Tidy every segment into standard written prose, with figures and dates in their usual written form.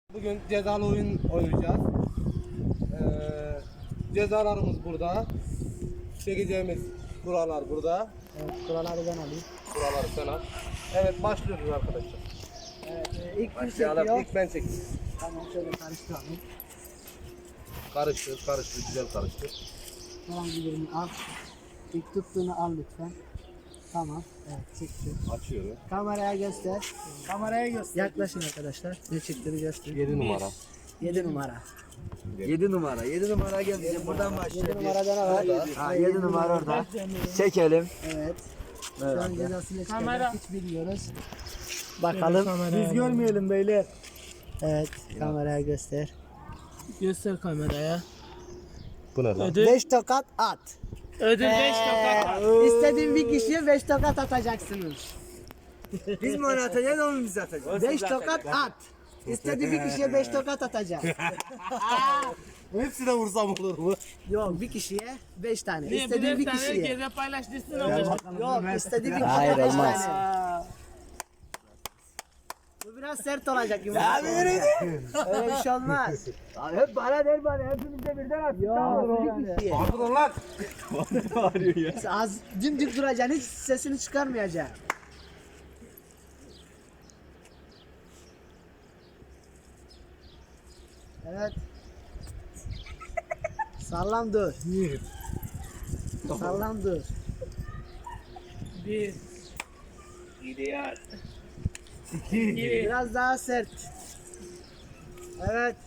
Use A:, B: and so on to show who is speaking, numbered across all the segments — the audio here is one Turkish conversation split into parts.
A: Bugün cezalı oyun oynayacağız. Cezalarımız burada. Çekeceğimiz buralar burada.
B: Evet, kuralları ben alayım.
A: Buraları sen al. Evet, başlıyoruz arkadaşlar.
B: Evet, ilk kim
A: Başlayalım.
B: çekiyor?
A: İlk ben çekeyim.
B: Tamam, şöyle karıştıralım.
A: Karıştır, güzel karıştır.
B: Herhangi birini al. İlk tuttuğunu al lütfen. Tamam, evet çekti.
A: Açıyorum.
B: Kameraya göster. Kameraya göster. Yaklaşın arkadaşlar. Ne çıktığını göster.
A: 7 numara.
B: 7 numara.
C: 7 numara. 7 numara geldi. Buradan
B: 7
C: başlayalım.
B: numaradan al.
C: Ha, 7 numara orada. Çekelim.
B: Evet. Şu an
C: Evet.
B: cezasını çıkacak. Hiç bilmiyoruz. Bakalım.
D: Biz görmeyelim beyler.
B: Evet, kameraya göster.
D: Göster kameraya.
A: Bu ne lan?
D: Ödül
B: 5 tokat at.
D: ödül 5 tokat.
B: İstediğin bir kişiye 5 tokat atacaksınız.
C: Biz mi onu atacağız, onu biz atacağız.
B: 5 tokat at. İstediğin bir kişiye 5 tokat atacağız.
A: Hepsine vursam olur mu?
B: Yok, bir kişiye 5 tane.
D: Niye
B: İstediğin bir
D: birer tane
B: kişiye.
D: geze paylaştırsın ama.
B: Yok, istediğin bir kişiye
C: Hayır,
B: 5
C: olmaz.
B: tane. Bu biraz sert olacak gibi. Öyle bir şey olmaz.
C: Hep bana der bana. Hepimiz de birden at.
B: Yok, bir kişiye.
A: Pardon lan.
B: Az dimdik duracaksın, hiç sesini çıkarmayacaksın. Evet. Sallam dur. Sallam dur.
D: Bir. Gidiyor.
B: Biraz daha sert. Evet.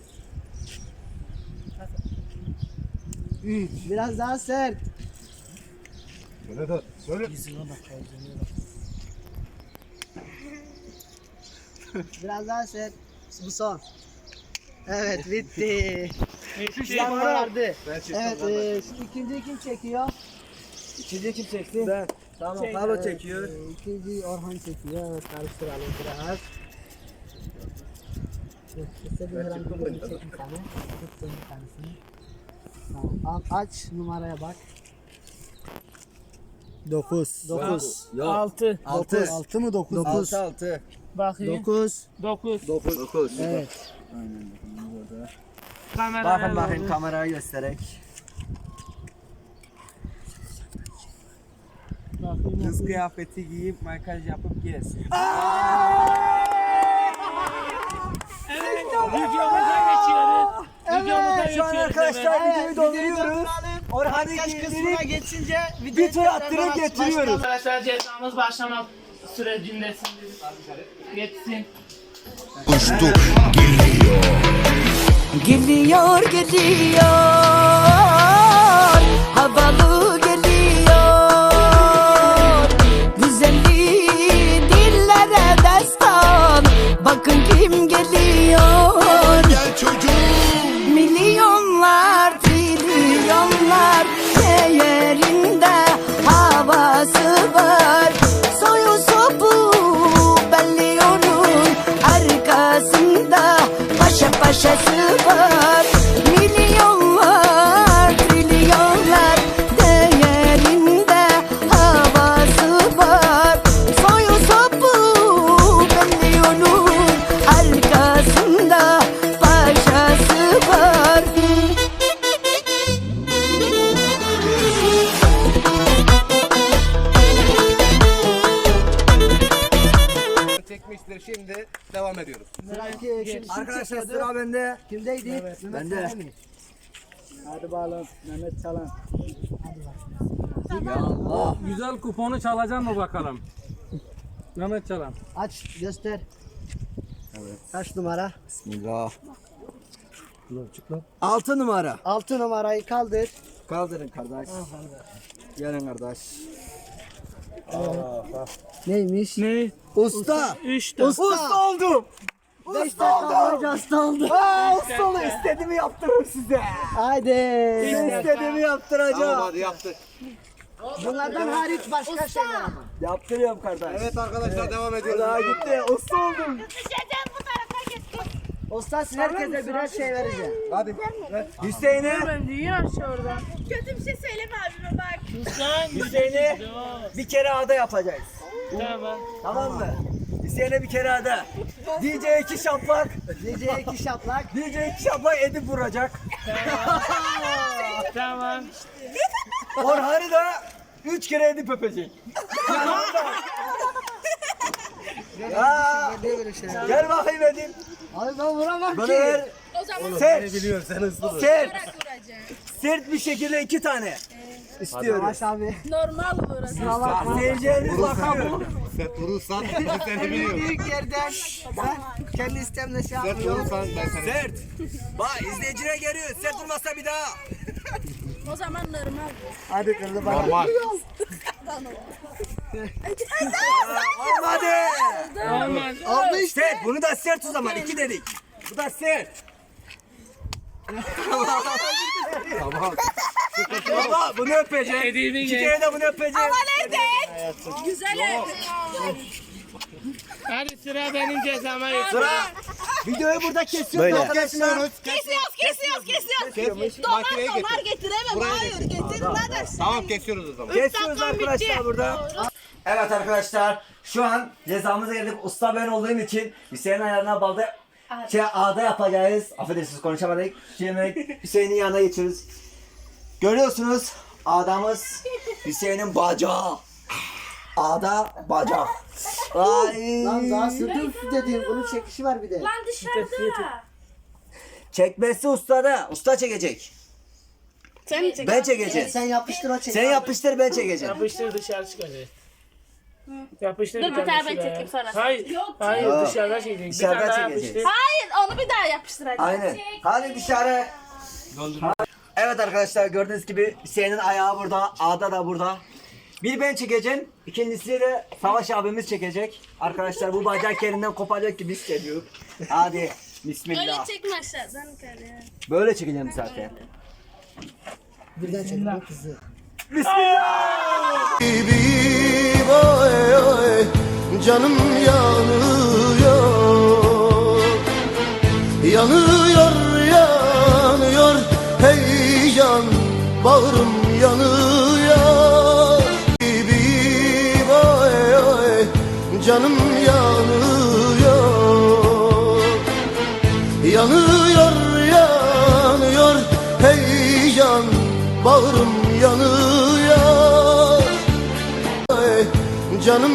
B: Biraz daha sert.
A: Söyle de söyle.
B: Biraz daha sert. Bu son. Evet, bitti.
D: Bitti.
B: Vardı.
A: Ben çektim.
B: Evet, şimdi ikinciyi kim çekiyor?
C: İkinci kim çekti? Ben. Tamam,
D: Çek.
C: Carlo çekiyor.
B: İkinci Orhan çekiyor. Evet, karıştıralım biraz. İstediğin herhangi birini çek bir tane. Tuttuğun bir tanesini. Tamam, aç numaraya bak. 9. 9.
C: Yok.
D: 6.
C: 6.
B: 6 mı 9? 9.
C: 6.
D: Bakayım.
B: 9.
D: 9.
C: 9.
B: Evet.
D: Kameraya
C: Bakın
D: doğru.
C: kameraya göstererek.
D: Bakayım.
C: Kız kıyafeti giyip makyaj yapıp gelsin.
D: Evet. Videomuza geçiyoruz. Videomuza
C: Şu an
D: geçiyoruz.
C: arkadaşlar
D: hemen.
C: videoyu dolduruyoruz. Orhan'ı
B: Kaç kısmına
C: giydirip
B: geçince
C: bir tur attırıp getiriyoruz.
D: Arkadaşlar cezamız başlamak sürecindesindir. Geçsin.
E: Uçtu geliyor.
F: Geliyor geliyor, havalı geliyor, güzelliği dillere destan, bakın kim geliyor.
E: Gel çocuğum.
F: Milyonlar, trilyonlar değerinde havası var, soyu sopu belli onun arkasında, paşa paşası var. Milyonlar, trilyonlar değerinde havası var, soyu sopu belli onun arkasında, paşası var.
A: Çekmiştir. Şimdi devam ediyoruz.
C: Arkadaşlar sıra bende.
B: Kimdeydi? Mehmet
C: Bende.
B: Salih mi?
D: Hadi bakalım Mehmet Çalan.
C: Ya Allah.
G: Güzel kuponu çalacak mı bakalım? Mehmet Çalan.
B: Aç, göster. Kaç numara?
C: Bismillah. 6 numara.
B: 6 numarayı kaldır.
C: Kaldırın kardeş. Gelin kardeş.
B: Neymiş?
D: Ne?
C: Usta.
D: 3
C: Usta oldum.
B: 5 dakika boyunca hasta oldu.
C: Usta oldu. İstediğimi yaptırırım size.
B: Haydi.
C: İstediğimi yaptıracağım.
A: Tamam, hadi yaptık.
B: Bunlardan hariç başka şeyler ama.
C: Yaptırıyorum kardeş.
A: Evet arkadaşlar, devam ediyoruz.
C: Daha gitti. Usta oldum.
B: Usta herkese birer şey vereceğim.
A: Hadi.
C: Hüseyin'e.
D: Ben dünya aşağı oradan.
H: Kötü bir şey söyleme abime bak.
D: Sen
C: Hüseyin'e bir kere ağda yapacağız.
D: Tamam.
C: Tamam mı? Hüseyin'e bir kere hadi. DJ 2 şaplak.
B: DJ 2 şaplak.
C: DJ 2 şaplak Edip vuracak.
D: Tamam.
C: Orhan'ı da 3 kere Edip öpecek. Aa,
B: Niye böyle şeyler?
C: gel bakayım Edip.
B: Abi ben vuramam
C: Bana
B: ki.
C: ver.
H: O zaman
C: Sert.
A: Biliyorum sen hızlı.
C: Sert.
H: vuracağım.
C: Sert bir şekilde 2 tane. İstiyorum.
B: Savaş abi.
H: Normal vuracağım.
B: Kusura bakma.
C: Seyircilerimiz bakıyor.
A: Sen vurursan ben seni biliyorum.
B: Büyük yerden ben kendi istemle şey
A: Sen
B: yapmıyorum.
A: vurursan ben seni.
C: Sert. Bak izleyicine geliyor. Sert olmazsa bir daha.
H: O zaman normal.
B: Hadi kırdı bana.
A: Normal.
C: Olmadı.
D: Olmaz.
B: Oldu işte.
C: Sert. Bunu da sert o zaman. 2 dedik. Bu da sert.
A: Tamam.
C: Baba bunu öpecek.
D: Edip'i
C: 2
D: geç.
C: kere de bunu öpecek.
H: Güzel.
D: Hadi sıra benim cezama geç.
C: Sıra. Videoyu burada kesiyoruz arkadaşlar.
A: Kesiyormuş. Makineye getir.
H: getiremem.
A: Buraya
H: Hayır
A: getir.
H: getirmeden.
A: Tamam kesiyoruz o zaman.
C: Kesiyoruz arkadaşlar burada. Evet arkadaşlar şu an cezamıza geldik. Usta ben olduğum için Hüseyin'in ayarına balda ağda yapacağız. Affedersiniz konuşamadık. Şimdi Hüseyin'in yanına geçiyoruz. Görüyorsunuz ağdamız Hüseyin'in bacağı. Ağda bacak. Ay.
B: Lan daha sürdüm dediğim bunun çekişi var bir de.
H: Lan dışarıda.
C: Çekmesi ustada. Usta çekecek.
H: Sen mi
C: Ben çekeceğim.
B: Sen yapıştır o çek.
C: Sen yapıştır ben çekeceğim.
D: Yapıştır dışarı çıkacak. Yapıştır
H: Dur,
D: bir
H: bir
D: tane
H: tane ben
D: şuraya.
H: çekeyim sonra.
D: Hayır.
H: Yok,
D: Hayır
C: Yok.
D: dışarıda çekecek.
C: Dışarıda
D: Bir tane daha
C: çekeceğiz.
D: yapıştır.
H: Hayır onu bir daha yapıştıracağım.
C: Aynen. Hadi dışarı. Evet arkadaşlar gördüğünüz gibi Hüseyin'in ayağı burada, Ağda da burada. Bir ben çekeceğim, ikincisi de Savaş abimiz çekecek. Arkadaşlar bu bacak yerinden kopacak gibi hissediyorum. Hadi bismillah.
H: Öyle çekme aşağıdan yukarı.
C: Böyle çekeceğim zaten.
B: Birden çek bu kızı.
C: Bismillah.
E: Oy oy canım yanıyor. Yanıyor yanıyor hey can bağrım yanıyor. Oy oy canım yanıyor. Yanıyor yanıyor hey can bağrım yanıyor. Oy, canım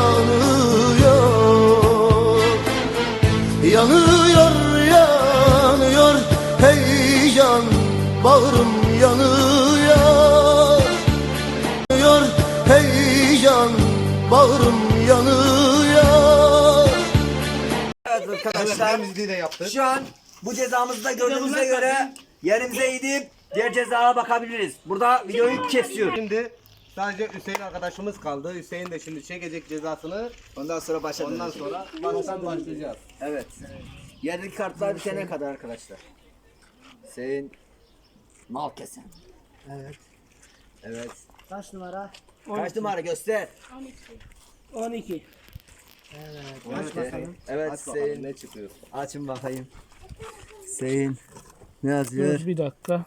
E: yanıyor. Yanıyor yanıyor hey can bağrım yanıyor. Yanıyor hey can bağrım yanıyor.
C: Evet
A: Evet
C: arkadaşlar
A: temizliği de yaptık.
C: şu an bu cezamızı da gördüğümüze göre yerimize gidip diğer cezaya bakabiliriz. Burada videoyu kesiyorum.
A: Şimdi sadece Hüseyin arkadaşımız kaldı. Hüseyin de şimdi çekecek cezasını.
C: Ondan sonra başlayalım.
A: Ondan sonra baştan başlayacağız.
C: Evet. Yerdeki kartlar bitene kadar arkadaşlar. Hüseyin mal kesen.
B: Evet.
C: Evet.
B: Kaç numara?
C: Kaç numara göster.
D: 12.
B: Aç bakalım.
C: Evet
A: Aç bakalım
C: Hüseyin.
A: ne çıkıyor.
C: Açın bakayım. Hüseyin. Ne yazıyor?
D: Dur bir dakika.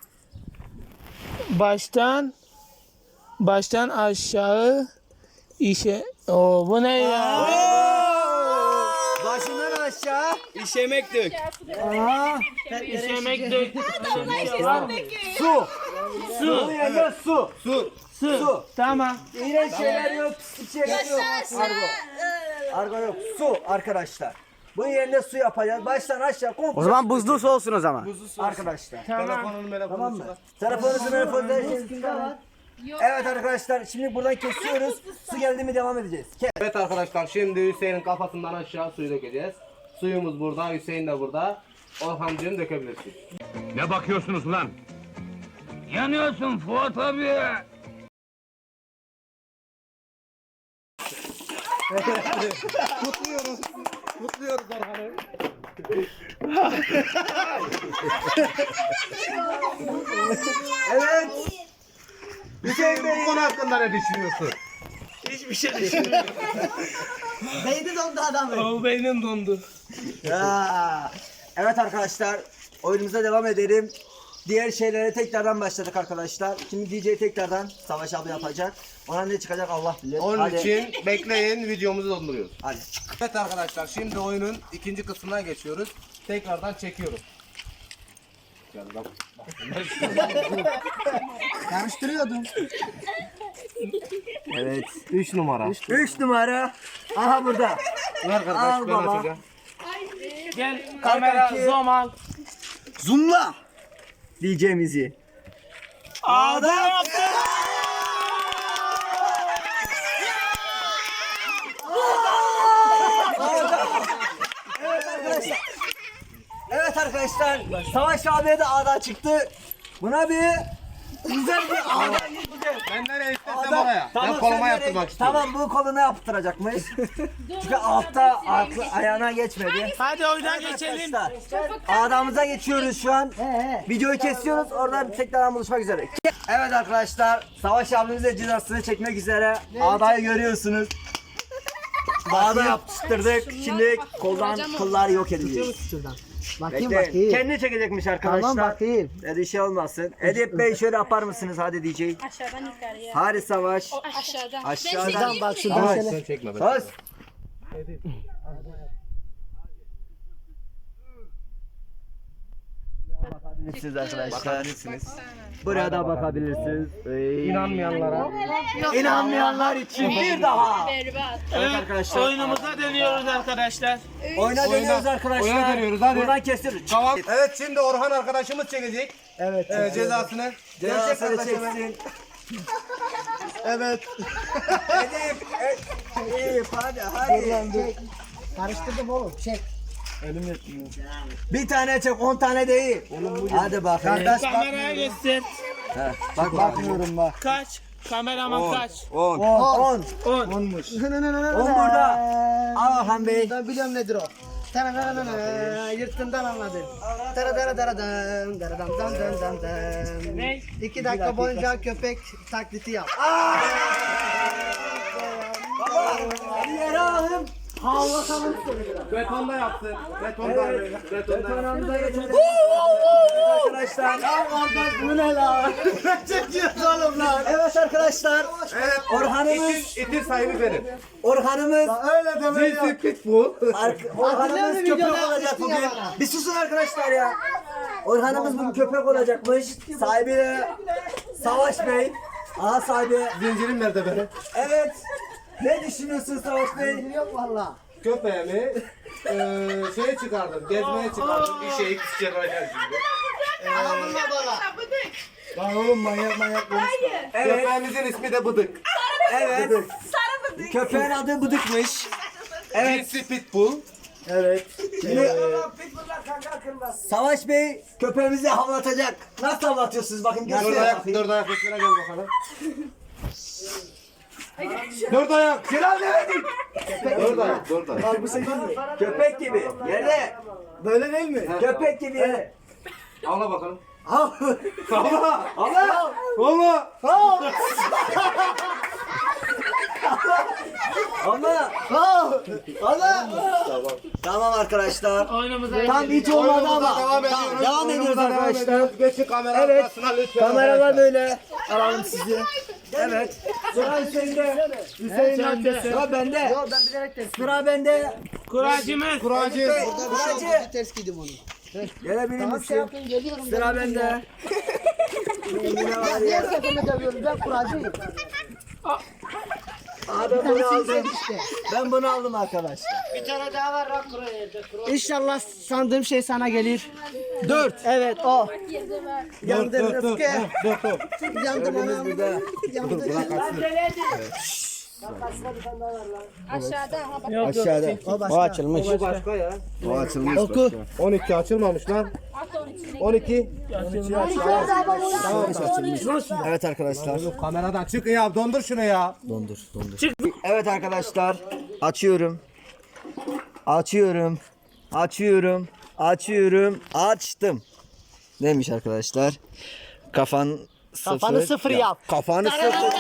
D: Baştan aşağı işe. Oo bu ne ya?
C: Başından aşağı işemek dök.
B: Aa,
D: İşemek dök. Var mı?
C: Su.
D: Su.
C: Bunun yanında su.
A: Su.
D: Su. Tamam.
C: İğrenç şeyler yok, pislik şeyler yok. Argo. Argo yok. Su arkadaşlar. Bunun yerine su yapacağız. Baştan aşağı komple.
G: O zaman buzlu su olsun o zaman.
C: Arkadaşlar.
D: Tamam.
A: Telefonunu
C: Tamam mı?
A: çıkar.
C: Telefonunuzu var. Evet arkadaşlar şimdi buradan kesiyoruz. Su geldi mi devam edeceğiz.
A: Evet arkadaşlar şimdi Hüseyin'in kafasından aşağı suyu dökeceğiz. Suyumuz burada, Hüseyin de burada. Orhancığım dökebilirsin.
G: Ne bakıyorsunuz lan? Yanıyorsun Fuat abi.
A: Kutluyoruz Orhan'ı.
C: Evet.
A: Hüseyin bu konu hakkında ne düşünüyorsun?
D: Hiçbir şey düşünmüyorum.
B: beyni dondu adamın.
D: O beynim dondu.
C: Ya. Evet arkadaşlar oyunumuza devam edelim. diğer şeylere tekrardan başladık arkadaşlar. Şimdi DJ tekrardan Savaş abi yapacak. Ona ne çıkacak Allah bilir.
A: Onun
C: Hadi.
A: için bekleyin, videomuzu donduruyoruz.
C: Hadi.
A: Evet arkadaşlar, şimdi oyunun ikinci kısmına geçiyoruz. Tekrardan çekiyorum. Gel bak.
B: Karıştırıyordum.
C: Evet.
A: 3 numara.
C: 3 numara. Aha burada.
A: Ver kardeş,
C: Al
A: ben
C: baba.
A: açacağım.
D: Gel kamera
C: iki.
D: zoom al.
C: Zoomla. DJ'mizi.
D: Ağda yaptı.
C: Evet arkadaşlar. Savaş abiye de ağdan çıktı. Buna bir güzel bir ağdan
A: Ben nereye istersem oraya. Ben koluma
C: sen
A: yaptırmak
C: nereye-
A: istiyorum.
C: Tamam bu koluna yaptıracakmış. Çünkü altta ayağına geçmedi.
D: Hadi oyuna geçelim.
C: Arkadaşlar ağdamıza geçiyoruz şu an. Videoyu kesiyoruz. Oradan tekrardan buluşmak üzere. Evet arkadaşlar. Savaş abimiz de cezasını çekmek üzere. Ağdayı görüyorsunuz. Ağda yapıştırdık. Şimdi koldan kıllar yok edeceğiz.
B: Şuradan. Bakayım
C: Bekleyin.
B: bakayım.
C: Kendi çekecekmiş arkadaşlar.
B: Tamam bakayım.
C: Hadi şey olmasın. Edip Bey şöyle yapar mısınız? Hadi DJ.
H: Aşağıdan yukarıya.
C: Hadi Savaş.
H: Aşağıdan.
C: Aşağıdan.
B: Şuradan bak şuradan
A: Ama
B: şöyle.
A: sen çekme.
C: Söz. Bakabilirsiniz arkadaşlar.
A: Bakabilirsiniz.
C: Buraya da bakabilirsiniz.
A: İnanmayanlara.
C: İnanmayanlar için bir daha.
H: Berbat.
D: Evet,
C: arkadaşlar.
D: oyunumuza dönüyoruz arkadaşlar.
C: Oyuna dönüyoruz arkadaşlar.
A: oyuna dönüyoruz, hadi.
C: Buradan kesiyoruz.
A: Tamam. Evet, şimdi Orhan arkadaşımız çekecek.
C: Evet.
A: Cezasını.
C: Cezasını
A: Gerçek kardeşime.
C: çeksin.
A: Evet.
C: Edip. Edip hadi hadi.
B: Karıştırdım oğlum. Çek.
C: Bir tane çek 10 tane değil. Hadi bakalım.
D: Kameraya göster.
C: Bak bakmıyorum bak.
D: Kaç? Kameraman kaç?
C: 10.
D: 10.
C: 10 burada. Al Orhan Bey.
B: Ben biliyorum nedir o. Yırttığından anladın. Dara dara dara dan, dara dam dam dam dam dam.
D: Ne?
B: 2 dakika boyunca köpek taklidi yap.
C: Hadi yere alalım.
A: Betonda yaptı. Betonda.
C: Betonumuza geçelim. Arkadaşlar. Bu ne lan?
B: Çekiyoruz oğlum lan.
C: Evet arkadaşlar.
A: Evet.
C: Orhan'ımız.
A: İtin sahibi benim.
C: Orhan'ımız.
B: Öyle deme ya.
A: Cinsi pitbull.
C: Orhan'ımız köpek
B: videoda
C: olacak
B: yapmıştın
C: bugün.
B: ya bana.
C: Bir susun arkadaşlar ya. Orhan'ımız bugün köpek olacakmış. Sahibi de Savaş Bey. Aha sahibi.
A: Zincirim nerede benim?
C: Evet. Ne düşünüyorsun Savaş Bey?
B: Yok valla.
A: Köpeğimi şeye çıkardım. Gezmeye çıkardım. Bir şeyi çıkaracağım şimdi.
B: Adamınla bana.
A: Lan oğlum manyak konuşma.
C: Evet.
A: Köpeğimizin ismi de Bıdık.
C: Evet. Köpeğin adı Bıdık'mış. Evet.
A: Cinsi pitbull.
C: Evet. Şimdi Savaş Bey köpeğimizi havlatacak. Nasıl havlatıyorsunuz bakın gösterin bakayım.
A: Dört ayak üstüne gel bakalım. Dört ayak.
C: Silah demedik.
A: Dört ayak.
C: Al bu senin mi? Köpek gibi. Yerde. Böyle değil mi? Köpek gibi yere.
A: Ağla bakalım.
C: Al.
A: Ağla.
C: Allah.
A: Ağla.
C: Allah. Allah. Tamam arkadaşlar.
D: Oyunumuza
C: Tam hiç olmadı ama.
A: Devam
C: Tamam,
A: ediyoruz.
C: devam ediyoruz arkadaşlar.
A: Geçin kamera
C: Evet.
A: arkasına lütfen.
C: Kameralar böyle. Alalım sizi. Evet. Sıra Hüseyin'de. Hüseyin amcası. Sıra bende.
B: Yok ben bilerek ters.
C: Sıra bende.
D: Kuracımız.
A: Kuracı.
B: Burada bir şey oldu. Ters giydim onu.
C: Gelebilir
B: Tamam şey
C: misin?
B: yapın geliyorum.
C: Sıra bende. Yine var ya.
B: Diğer seferinde dövüyorum. Ben kuracıyım.
C: Abi bunu aldım.
B: İşte.
C: Ben bunu aldım arkadaşlar.
B: Bir tane daha var lan kuraya. İnşallah sandığım şey sana gelir. 4. Evet o. Yandım Rıfkı. Yandım anam.
C: Burada.
B: Yandım.
C: Aşağıda.
B: O başka.
C: açılmış.
A: Bu başka ya.
C: O açılmış.
B: Oku.
A: 12 açılmamış lan. 12.
C: Evet arkadaşlar.
A: Kameradan çıkın ya. Dondur şunu ya.
C: Dondur. Evet arkadaşlar. Açıyorum. Açtım. Neymiş arkadaşlar? Kafanı sıfır
B: yap.
A: Kafanı sıfır.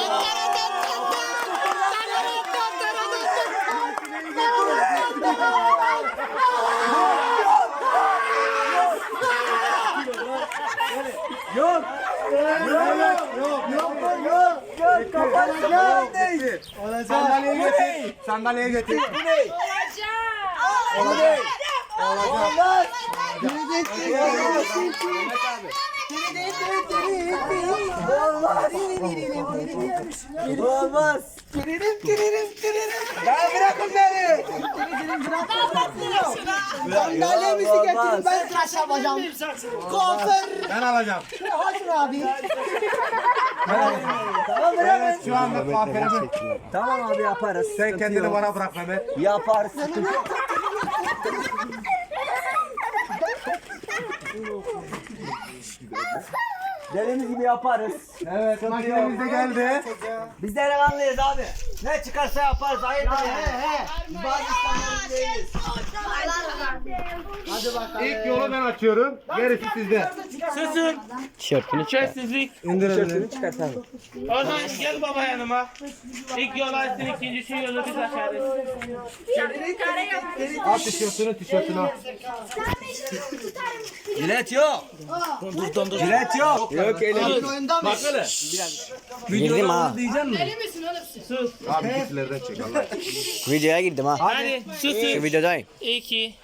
A: Sandalyeye getir.
C: Bu ne?
H: Olacak.
C: Bu ne? Olmaz. Olmaz.
B: Ya bırakın beni. Sandalyemizi getirin ben tıraş yapacağım. Kuaför.
A: Ben alacağım.
B: Hasan abi.
C: Tamam bırakın.
A: Şu anda kuaförümü.
C: Tamam abi yaparız.
A: Sen
C: Sıkıntı
A: kendini
C: yok.
A: bana bırak Mehmet.
C: Yaparız. Dediğimiz gibi yaparız.
A: Evet makinemiz de geldi.
C: Biz delikanlıyız abi. Ne çıkarsa yaparız. Hayır Bazı insanlarımız değiliz.
B: Hadi bakalım.
A: İlk yolu ben açıyorum. Gerisi sizde.
D: Susun. Sessizlik.
A: İndirelim.
D: Oradan gel baba yanıma. İlk yol açsın, ikincisi yolu biz açarız.
A: Al tişörtünü al.
C: Jilet yok. Jilet yok. Yok
B: Oyun oyunda mı?
C: Girdim ha.
D: Sus.
A: Abi gitlerden çek Allah.
C: Videoya girdim ha.
D: Hadi susun.
C: Videodayım.
D: 2.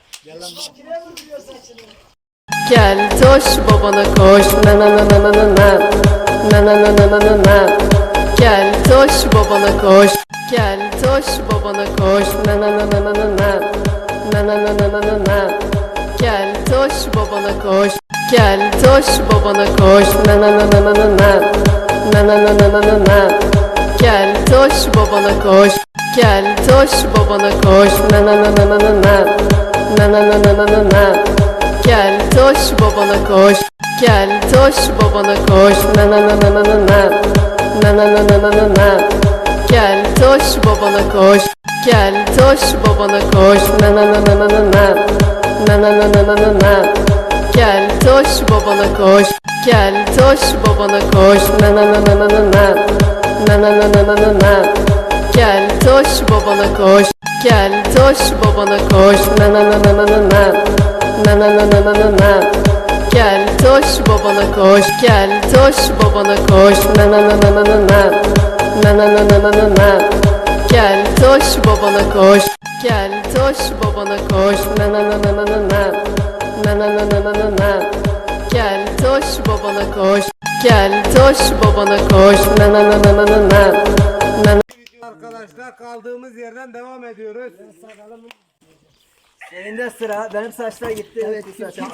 F: Gel toş babana koş na na na na na na na na na na na na na. Gel toş babana koş. Gel toş babana koş na na na na na na na na na na na na na. Gel toş babana koş. Gel toş babana koş na na na na na na na na na na na na na. Gel toş babana koş. Gel toş babana koş na na na na na na na na na na na na na. Gel toş babana koş. Gel toş babana koş na na na na na na na na na na na na na. Gel toş babana koş. Gel toş babana koş na na na na na na na na na na na na na. Gel toş babana koş. Gel toş babana koş na na na na na na na na na na na na na. Gel toş babana koş. Gel toş babana koş na na na na na na na na na na na na na. Gel toş babana koş. Gel toş babana koş na na na na na na na na na na na na na. Gel toş babana koş. Gel toş babana koş na na na na na na na na na na na na na. Gel toş babana koş. Gel toş babana koş na na na na na na na na.
A: Arkadaşlar kaldığımız yerden devam ediyoruz.
C: Elinde sıra. Benim saçlar gitti. Evet.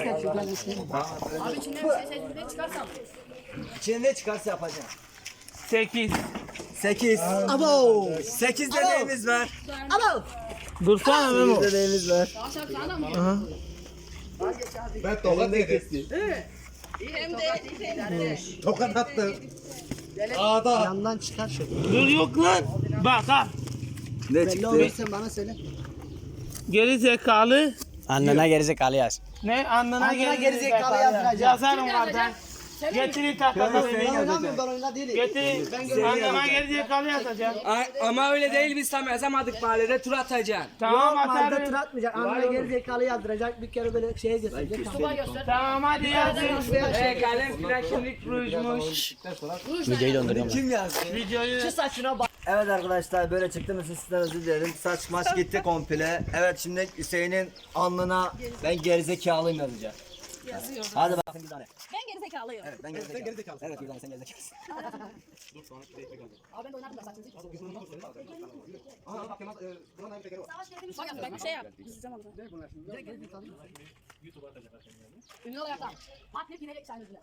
H: Abi içinden bir şey seçmeye çıkarsam.
C: İçinde çıkarsa yapacağım.
D: 8.
C: 8.
B: Abo.
C: 8 dediğimiz var.
B: Abo.
D: Dursana Memo.
C: Dediğimiz var.
H: Aşağı sana mı?
A: Ben tokat yedim.
H: Hem de
A: Tokat attım. Ağda.
B: Yandan çıkar şöyle.
D: Dur yok lan. Bak ha.
C: Ne
B: Belli
C: çıktı?
B: olursa bana söyle.
D: Geri zekalı.
C: Annene gerizekalı yaz.
D: Ne? Annına
B: geri zekalı yazacağım.
D: Yazarım oradan. Getirin takalım.
B: Ben oynamıyorum, ben oyunda değilim.
D: Getirin. Anneme geri zekalı yazacağım.
I: Ama öyle değil, biz tam yazamadık mahallede, tur atacaksın.
D: Tamam
B: Mahallede tur
D: atarım.
B: atmayacak. Anne geri zekalı yazdıracak. Bir kere böyle şeye götürecek.
D: Tamam hadi yazın.
I: Kalem flaşınlık rujmuş.
C: Videoyu donduruyorum. Kim yazdı?
D: Videoyu
B: Şu saçına bak.
C: Evet arkadaşlar böyle çıktığımız sizden özür dilerim. Saç maç gitti komple. Evet şimdi Hüseyin'in alnına ben gerizekalıyım yazacağım. Yazıyorum. Hadi bakın bir tane.
H: ben geri zekalıyım.
C: Evet ben gerizekalıyım. Evet bir tane sen gerizekalısın.
H: Abi ben de oynardım da saçınızı. Bak ben bir şey yap. İzleyeceğim onu. Ünlü olarak da. Bak ne yine eksenizle.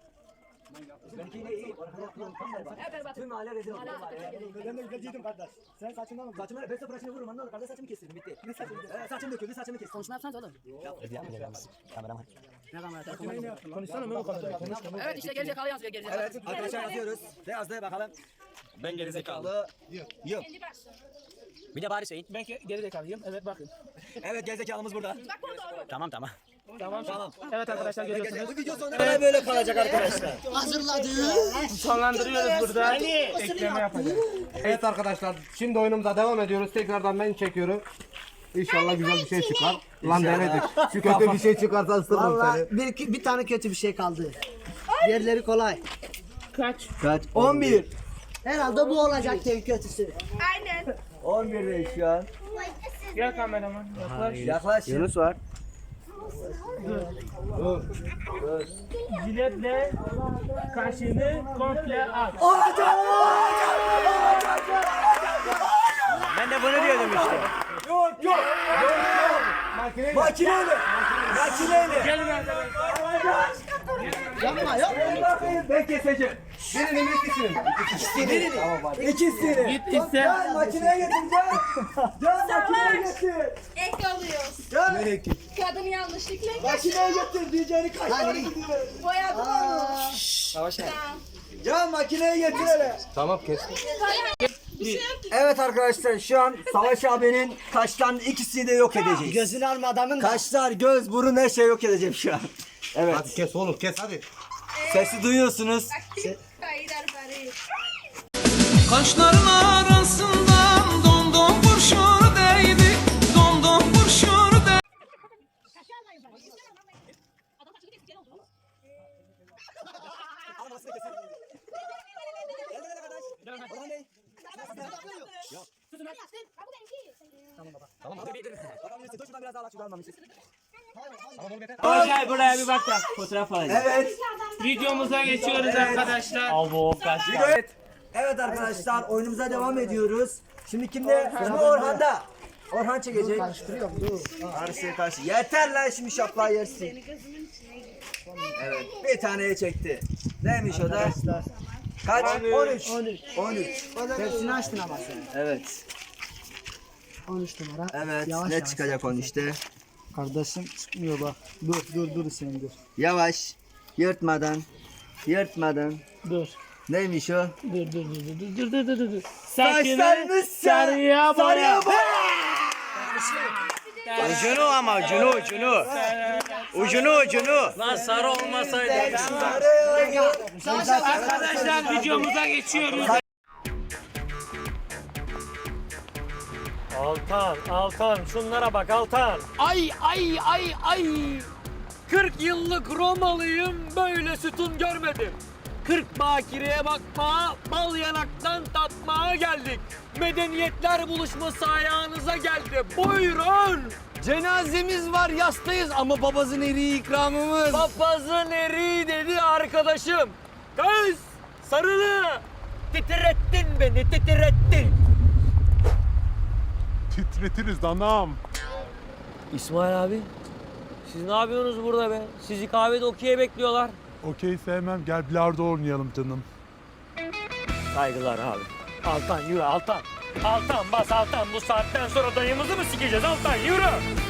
C: Tüm mahalle rezil oldu. Ben de ülkeciydim kardeş. Sen saçından mı? Saçımı ben saçını vururum anladın. Kardeş saçımı kestirdim bitti. Ne saçımı? Saçım döküldü saçımı kestim.
H: Konuşma yapsanız oğlum.
C: Kameraman.
H: Ne kamera? Konuşsana mı? Evet işte geri zekalı yazıyor geri zekalı.
C: Evet arkadaşlar yazıyoruz. Ne yazdı bakalım. Ben gerizekalı. Yok.
H: Kendi başla.
C: Bir de bari Hüseyin.
D: ben geri zekalıyım. Evet bakın.
C: Evet gerizekalımız burada.
H: Bak bu doğru.
C: Tamam.
D: Tamam. Evet arkadaşlar görüyorsunuz.
C: Bu video sonuna böyle kalacak arkadaşlar.
B: Hazırladı.
D: Sonlandırıyoruz burada. Ekleme yapacağız.
A: Evet arkadaşlar şimdi oyunumuza devam ediyoruz. Tekrardan ben çekiyorum. İnşallah güzel bir şey çıkar. Lan denedik. Şu kötü bir şey çıkarsa ısırırım
B: Valla
A: seni.
B: bir tane kötü bir şey kaldı. Diğerleri kolay.
D: Kaç?
C: Kaç? 11.
B: Herhalde bu olacak en kötüsü.
H: Aynen.
C: 11'deyiz şu an.
D: Gel kameraman. Yaklaş.
C: Yaklaş.
B: Yunus var.
D: Jiletle kaşını komple aç.
C: Ben de bunu diyordum işte. Yok. Makineyle.
D: Gelin arkadaşlar.
B: Yapma yapma.
C: Ben keseceğim.
A: Birinin ikisinin.
C: İkisini.
D: Git iste.
C: Can makineye getireceğim. Can makineye getir.
J: Ek alıyoruz.
C: Can
J: Kadın yanlışlıkla
C: makineye getir diyeceğini kaç tane gidiyor.
J: boyadı onu.
C: Can makineye getir hele.
A: Tamam kes.
C: Evet arkadaşlar şu an Savaş abinin kaştan ikisini de yok edeceğiz.
B: Gözünü alma adamın.
C: Kaşlar, göz, burun her şey yok edeceğim şu an. Evet.
A: Hadi kes oğlum kes hadi.
C: Sesi duyuyorsunuz.
J: Kayılar bari.
E: Kaşların arasından domdom kurşun değdi. Domdom kurşun değdi.
D: Gel buraya bir bak da fotoğraf alacağım.
C: Evet.
D: Videomuza geçiyoruz arkadaşlar.
C: Evet arkadaşlar oyunumuza devam ediyoruz. Şimdi kimde? Şimdi Orhan'da. Orhan çekecek.
B: Karıştırıyorum dur.
C: Karşı. Yeter lan şimdi şaplayı yersin. Evet. Bir taneye çekti. Neymiş o da? Kaç? 13. 13.
B: Hepsini açtın ama sen.
C: Evet.
B: 13 numara.
C: Evet.
B: Yavaş
C: Ne
B: yavaş.
C: çıkacak onun işte?
B: Kardeşim çıkmıyor bak. Dur Hüseyin dur.
C: Yavaş. Yırtmadan.
B: Dur.
C: Neymiş o?
D: Dur.
C: Saçlarını
D: sarıya boya.
C: Ucunu ama ucunu. Ucunu.
G: Lan sarı olmasaydı.
D: Arkadaşlar videomuza geçiyoruz.
G: Altan şunlara bak Altan. Ay. 40 yıllık Romalıyım böyle sütun görmedim. 40 bakireye bakmaya, bal yanaktan tatmaya geldik. Medeniyetler buluşması ayağınıza geldi. Buyurun. Cenazemiz var yastayız ama papazın eriği ikramımız. Papazın eriği dedi arkadaşım. Kız sarılı. Titrettin beni titrettin.
K: Titretiriz anam.
G: İsmail abi, siz ne yapıyorsunuz burada be? Sizi kahvede okey'e bekliyorlar.
K: Okey sevmem. Gel bilardo oynayalım canım.
G: Saygılar abi. Altan yürü Altan. Altan bas Altan. Bu saatten sonra dayımızı mı sikeceğiz Altan yürü.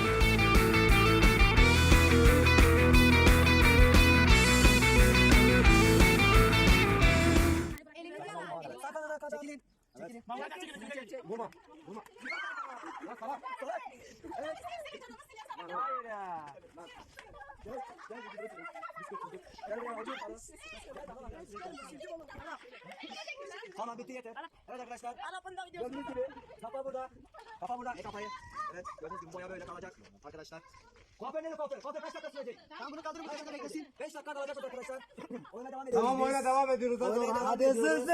C: Tamam bitti yeter. Evet arkadaşlar. Gördüğünüz gibi kafa burada. Kafa burada. Kafayı. Evet gördüğünüz gibi boya böyle kalacak arkadaşlar. Kuaför nerede kuaför? Kuaför kaç dakika sürecek?
B: Tamam bunu kaldırın 5 dakika beklesin.
C: 5 dakika kalacak arkadaşlar. Oyuna devam ediyoruz.
A: Tamam oyuna devam ediyoruz. Hadi
C: Oyuna
A: Orhan.
C: devam
B: Hadi
C: ediyoruz.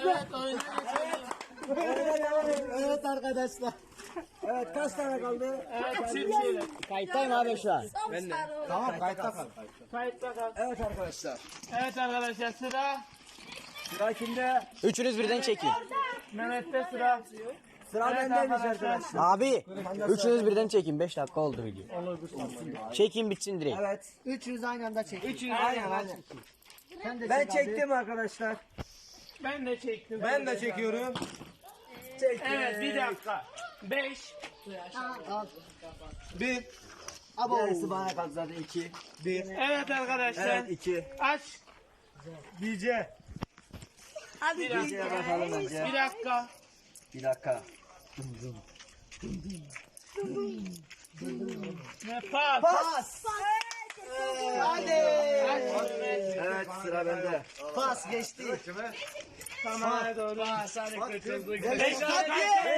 B: Evet arkadaşlar.
C: Evet kaç tane kaldı?
B: Kayıttayım abi şu an.
A: Tamam kayıtta kal.
D: Kayıtta kal.
C: Evet arkadaşlar.
D: Evet arkadaşlar sıra
C: Sıra kimde?
B: Üçünüz birden çekin.
D: Mehmet'te sıra.
C: Sıra
D: Evet
C: bendeymiş
D: arkadaşlar.
C: arkadaşlar.
B: Abi üçünüz birden çekin. 5 dakika oldu video. Çekin bitsin direkt.
C: Evet.
B: Üçünüz aynı anda çekin.
D: Üçünü
C: Aynen.
B: Sen de
C: Ben
B: çek abi.
C: çektim arkadaşlar.
D: Ben de çektim.
A: Ben de çekiyorum.
C: Çektim.
D: Evet bir dakika. 5.
A: Bir.
C: Gerisi bana kaldı zaten 2.
D: Evet arkadaşlar.
C: Evet 2.
D: Aç.
A: DJ.
D: Bir dakika.
C: Bakalım önce.
D: Bir dakika.
C: Bir dakika.
D: Ne pas?
C: Pas.
B: Hadi.
C: Evet sıra bende.
B: Pas geçti.
D: Tamam doğru. Hadi kaçırdık. 5
C: Beş
D: dakika.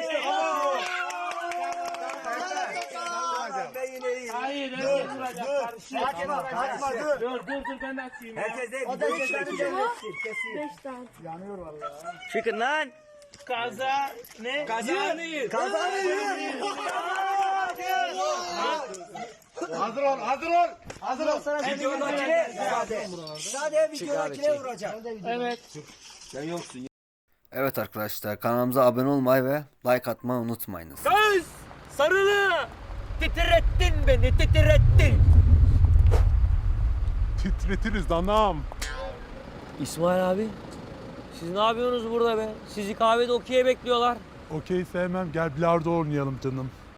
C: Ben yine iyiyim.
D: Hayır evet duracak.
C: Kaçma dur.
D: Dur ben de açayım. Ya.
C: Herkes değil.
B: O da
C: videoyu
B: cezanı
C: çekiyor.
B: kesin.
G: Çıkın lan.
D: Kaza ne?
I: Kazanır.
A: Hazır ol, hazır ol. Hazır ol.
B: Sadece videodakine vuracak.
D: Evet.
C: Evet arkadaşlar kanalımıza abone olmayı ve like atmayı unutmayınız.
G: Kız! Sarılı! Titrettin beni, titrettin.
K: Titretiriz danam.
G: İsmail abi, siz ne yapıyorsunuz burada be? Sizi kahvede okey'e bekliyorlar.
K: Okey sevmem, gel bilardo oynayalım canım.